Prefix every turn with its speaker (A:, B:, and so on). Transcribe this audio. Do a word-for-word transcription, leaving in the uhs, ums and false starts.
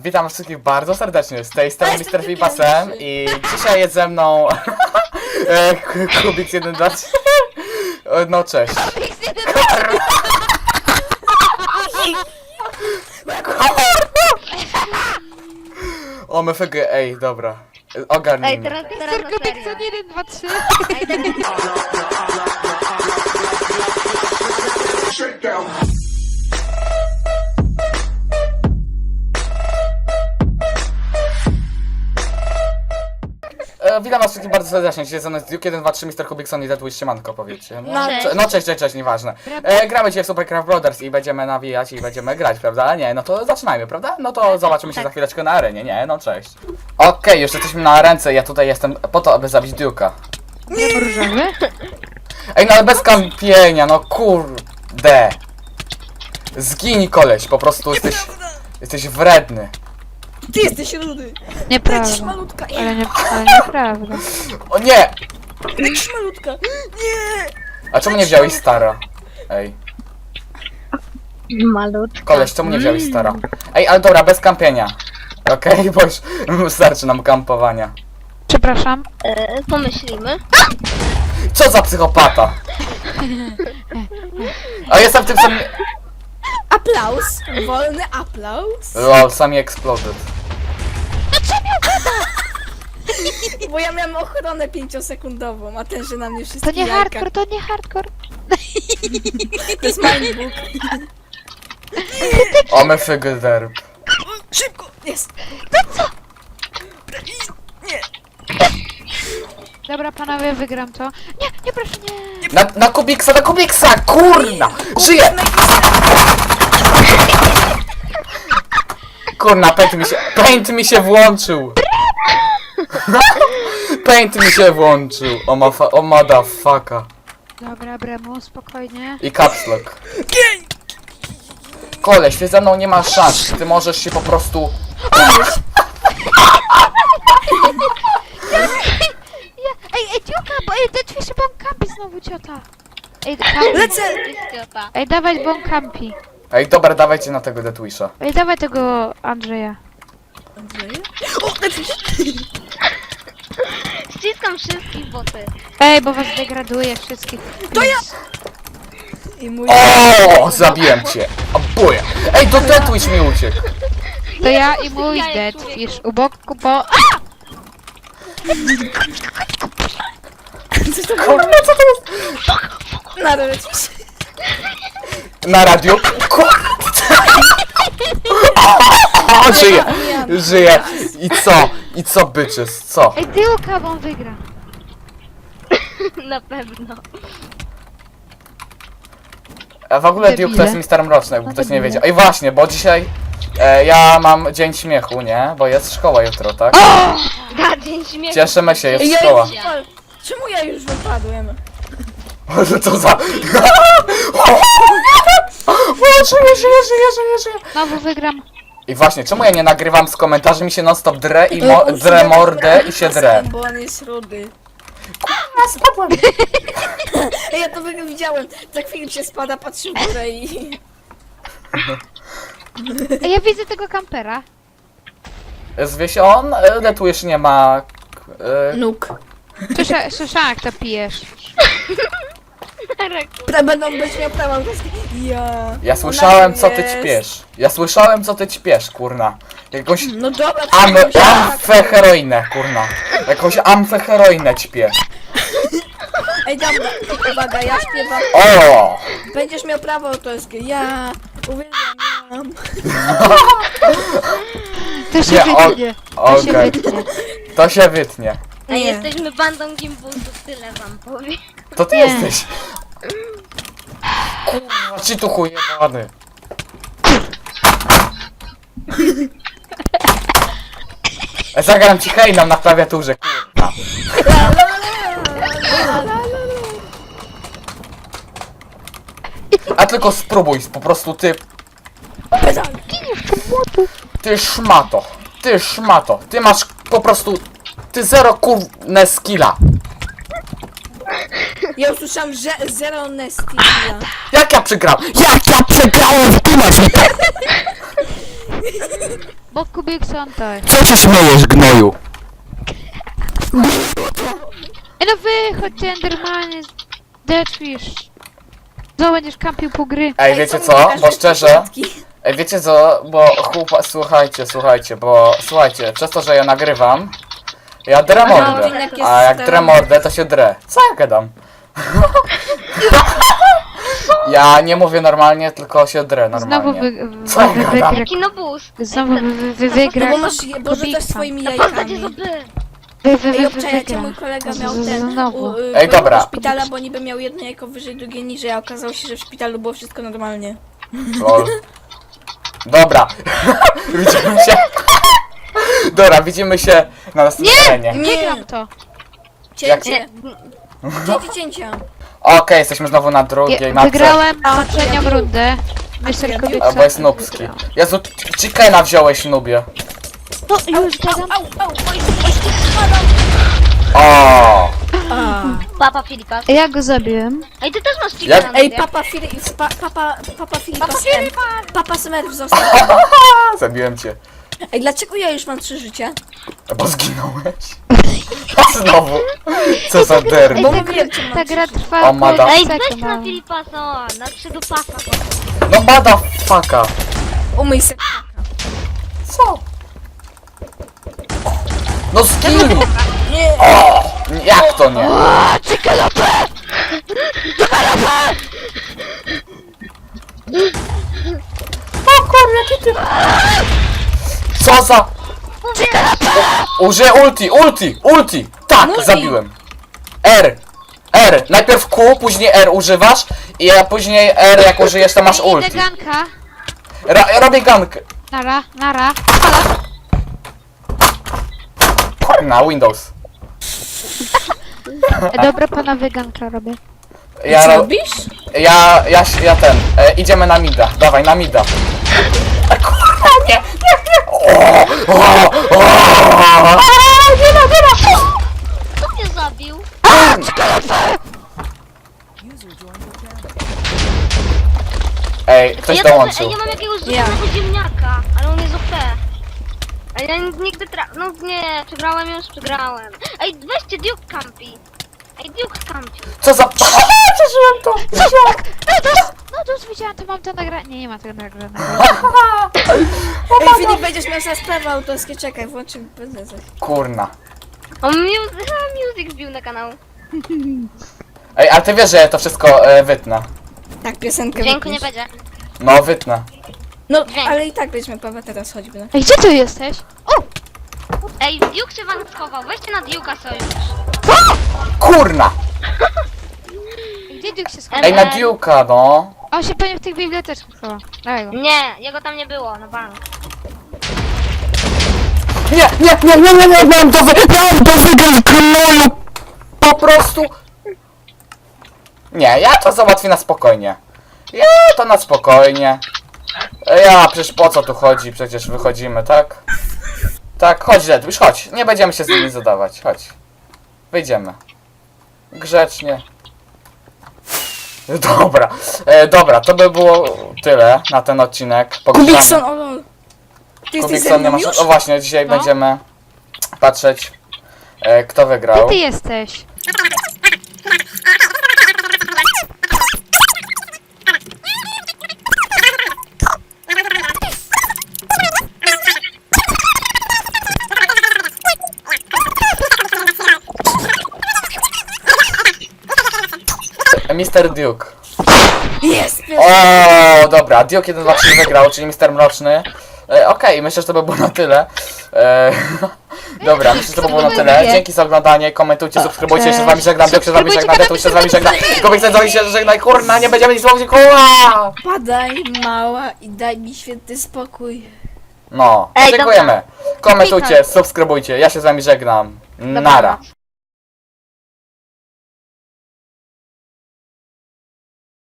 A: Witam wszystkich bardzo serdecznie, z tej strony mister Fibasem i dzisiaj jest ze mną e, Kubik jeden dwa trzy. No cześć. O my fg, ej, dobra.
B: Ej,
A: Ogarnijmy.
B: teraz, teraz na
C: Kubik
B: serio.
C: jeden, dwa, trzy.
B: Ej, teraz...
A: E, witam was wszystkich bardzo serdecznie, dzisiaj ze mną jest Duke jeden dwa trzy, mister Kubikson i Deadwish, siemanko powiedzcie. No,
B: Cześć.
A: cze- no cześć, cześć, cześć, nieważne. E, gramy dzisiaj w Supercraft Brothers i będziemy nawijać i będziemy grać, prawda? Nie, no to zaczynajmy, prawda? No to zobaczymy się za chwileczkę na arenie, nie? No cześć. Okej, już jesteśmy na ręce, ja tutaj jestem po to, aby zabić Duke'a.
C: Nie różowy?
A: Ej, no ale bez kampienia, no kurde. Zginij koleś, po prostu jesteś, jesteś wredny.
D: Ty jesteś rudy!
C: Nieprawda.
D: Lecisz malutka!
C: Ale, nie, ale nieprawda.
A: O nie!
D: Lecisz malutka! Nie!
A: A czemu nie wziąłeś stara? Ej,
B: Malutka.
A: koleś, czemu nie wziąłeś stara? Ej, ale dobra, bez kampienia. Okej, bo już starczy nam kampowania.
C: Przepraszam.
B: E, pomyślimy.
A: Co za psychopata? A jestem w tym samym...
D: Aplauz! Wolny aplauz!
A: Lol, sami exploded.
D: Bo ja miałem ochronę pięciosekundową, a ten, że na mnie
C: To
D: wszystkie
C: nie
D: jajka.
C: hardcore, to nie hardcore.
D: To jest mindbook.
A: O my fig derb.
D: Szybko! Jest!
C: Dobra, panowie, wygram to. Nie, nie, proszę, nie.
A: Na, na Kubiksa, na Kubiksa, kurna! Żyje! Kurna, paint mi się, paint mi się włączył! Paint mi się włączył, o ma fa, o motherfucka.
C: Dobra, Bremu, spokojnie.
A: I caps lock. Koleś, ty ze mną nie masz szans, ty możesz się po prostu...
C: Ja, ej, ej, Dziuka, bo ej, ten ćwiczy, bo on kampi znowu, ciota. Ej, kampi.
D: Lecę!
C: Ej, dawaj, bo on kampi.
A: Ej, dobra, dawajcie na tego Deathwisha.
C: Ej, dawaj tego Andrzeja.
D: O, lecisz!
B: Ściskam wszystkich boty.
C: Ej, bo was degraduje wszystkich.
D: To ja! I mój...
A: O, zabiłem cię! A buja! Ej, to Deathwish mi uciekł!
C: To ja i mój
B: Ja
C: dead
B: człowiek.
C: fish u boku, bo... A!
D: Co to było?
A: Kurna, co to jest?
D: Na lecisz?
A: Na radio? Kurna! O, żyje! Żyje! I co? I co, bitches? Co?
C: Ej, Dziuka, bo on wygra.
B: Na pewno.
A: A w ogóle
C: Debile.
A: Duke to jest mister Mroczny, jakby
C: No
A: ktoś nie
C: debile.
A: wiedział. Ej, właśnie, bo dzisiaj e, ja mam dzień śmiechu, nie? Bo jest szkoła jutro, tak?
B: Da, dzień śmiechu.
A: Cieszymy się, jest
D: Ja
A: szkoła.
D: już wypadłem. Czemu ja już wypadłem?
A: Co za... O, żyje, żyje, żyje, żyje, żyje.
C: Znowu wygram.
A: I właśnie, czemu ja nie nagrywam z komentarzy, mi się non stop dre i mo drę mordę i się drę.
D: Bo on jest rudy.
A: A, spadłem.
D: Ej, ja to wy- widziałem. Za chwilę się spada, patrzy w górę i...
C: Ej, ja widzę tego kampera.
A: Zwie się on, e, Deathwish nie ma... E,
D: Nóg.
C: Słysza, słyszałam, jak to pijesz.
D: Pra będą być miał prawa autorskie. Ja...
A: ja słyszałem, co ty
D: jest.
A: ćpiesz. Ja słyszałem, co ty ćpiesz, kurna. Jakąś
D: No dobra,
A: am
D: trzeba się-
A: amfeheroinę, kurna. Jakąś amfeheroinę ćpię.
D: Ej, dobra, uwaga, ja śpiewam.
A: O!
D: Będziesz miał prawo autorskie. Ja uwielbiam.
C: To się
A: Nie, o-
C: wytnie. To się
A: okej.
C: wytnie.
A: To się wytnie.
B: Ej,
D: Nie.
B: jesteśmy bandą gimbusów, tyle wam powiem.
A: To ty
C: Nie.
A: jesteś. Kurwa, ci tu chujebany. Zagram ci hejną na klawiaturze, kurwa. A tylko spróbuj, po prostu ty... Ty szmato, ty szmato, ty masz po prostu... Ty zero kurne skilla.
D: Ja usłyszałam, że zero Nestia.
A: Jak ja przegrałem? Jak ja przegrałem w
C: Bo Kubikson to jest.
A: Co się śmiejesz, gnoju?
C: Ej, no wychodź, Endermanie. Deadfish. Co, będziesz kampił po gry.
A: Ej, wiecie
D: są
A: co?
D: pokażę
A: Bo szczerze...
D: początki.
A: Ej, wiecie co? Bo chłopa... Słuchajcie, słuchajcie, bo... Słuchajcie, przez to, że ja nagrywam... Ja drę mordę.
D: odcinek jest
A: A jak
D: ten-
A: drę mordę, to się drę. Co ja gadam? Ja nie mówię normalnie, tylko się drę
C: Znowu
A: normalnie.
C: wy, wy,
A: Co ja
C: wy,
A: gadam?
C: wygra.
B: Jaki nobus.
C: Znowu wy, wy, wy,
D: No
C: wygra.
D: bo masz, bo rzucasz
C: Kubikson.
D: swoimi
B: Na postacie
D: jajkami.
B: zoby.
C: Wy, wy,
D: Ej,
C: wy, wy,
D: obczajcie,
C: wygra.
D: mój kolega
C: Z-
D: miał
C: z-
D: ten,
C: Znowu.
D: u, y,
A: Ej,
D: pojechał
A: dobra.
D: do szpitala, bo niby miał jedno jajko wyżej, drugie niżej, a okazało się, że w szpitalu było wszystko normalnie.
A: Lol. Dobra. Widzimy się. Dobra, widzimy się na następnej arenie.
C: Wygram to.
D: Cięcie. Cięcie, cięcia.
A: Okej, jesteśmy znowu na drugiej
C: Je,
A: mapce.
C: wygrałem poprzednią rundę. mister
D: ja
C: Kubikson.
A: Albo jest nubski. Jezu, chickena wziąłeś, nubie.
C: No już gadam.
D: Au, au, oj, oj, spadam.
A: O.
D: A.
B: Papa Filipa.
C: Ja go zabiłem.
B: Ej, ty też masz
A: Jak-
B: chickena na
D: Ej,
B: sobie.
D: papa Filip, pa, papa, papa Filipa, Smurf. Papa Smurf został.
A: Zabiłem cię.
D: Ej, dlaczego ja już mam trzy życia?
A: Bo zginąłeś. Znowu. Co za derby.
C: Ej,
D: Bo
C: ta,
D: mówiłem,
C: gra,
D: czy mam
C: ta gra
D: trzy.
C: trwa
A: O, mada.
C: około
B: Ej, weź
C: sekund,
B: na
C: no.
B: Filipa, co? Na trzy do pasa.
A: No bada faka.
D: Umyj se.
A: Co? No zginął.
D: Nie.
A: O, jak to nie? O kurwa, jaki ty... Co za... U- Użyję ulti, ulti, ulti! Tak,
D: Multi.
A: zabiłem. R. R. Najpierw Q, później R używasz i a później R jak użyjesz to masz
C: Idę
A: ulti.
C: ganka.
A: Ra robię gank.
C: Nara, nara.
A: Na Windows.
C: E, dobra, panowie, ganka robię.
A: Ja,
D: Co
A: ro
D: robisz?
A: ja, ja, ja ten, e, idziemy na mida, dawaj na mida. E, kurwa, nie, nie, nie. O, o, o, o. Nie ma, nie ma.
B: Kto mnie zabił?
A: Ej, ktoś
B: ja
A: dołączył.
B: Ej, ja mam jakiegoś
D: Ja.
B: zupełnego ziemniaka, ale on jest O P. A ja nigdy tra... No nie, przegrałem już, przegrałem. Ej, weźcie Duke Campi. Ej, Duke Campi.
A: Co za... Przeżyłem to.
C: Tak, no to, no to widziałam, to mam to nagrane. Nie, nie ma tego nagranego.
D: Ej, Filip, będziesz miał za sprawy autorskie, czekaj, włączę bezę.
A: Kurna.
B: O, music, music wbił na kanał.
A: Ej, ale ty wiesz, że ja to wszystko e, wytnę.
D: Tak, piosenkę
B: Dźwięku nie
D: wytniesz.
B: będzie.
A: No, wytnę.
D: No,
B: Dźwięk.
D: ale i tak weźmy Pawła teraz, choćby. No.
C: Ej, gdzie ty jesteś? O!
B: Ej, Duke się wam schował. Weźcie na Duke'a sojusz.
A: Kurna.
C: Gdzie Duke się schował?
A: Ej, na Duke'a, no.
C: On się pewnie w tych biblioteczkach schował. Dawaj go.
B: Nie, jego tam nie było, na bank.
A: Nie, nie, nie, nie, nie, nie, miałem to wy... Miałem to wygrać, gnoju. Po prostu... Nie, ja to załatwię na spokojnie. Ja to na spokojnie. Ja, przecież po co tu chodzi? Przecież wychodzimy, tak? Tak, chodź Red, już chodź. Nie będziemy się z nimi zadawać, chodź. Wyjdziemy. Grzecznie. Dobra, e, dobra, to by było tyle na ten odcinek.
D: Kubikson,
A: Pogrzebamy.
D: o lol. Ty jesteś ze
A: Kubikson nie
D: mną
A: masz...
D: już?
A: O właśnie, dzisiaj
C: No.
A: będziemy patrzeć, e, kto
C: Gdzie
A: wygrał.
C: ty jesteś?
A: mister Duke.
D: Jest!
A: O, dobra, Duke jeden dwa trzy wygrał, czyli mister Mroczny. E, Okej, myślę, że to by było na tyle. E, dobra, myślę, że to by było na tyle. Dzięki za oglądanie, komentujcie, subskrybujcie, się z wami żegnam, Duke się z wami żegna, Detu się z wami żegna, Kubikson z wami się żegnaj, kurna, nie będziemy nic mówić, kurwa!
D: Padaj, mała, i daj mi święty spokój.
A: No,
B: Ej,
A: dziękujemy. Komentujcie, subskrybujcie, ja się z wami żegnam. Nara.
B: Dobranoc.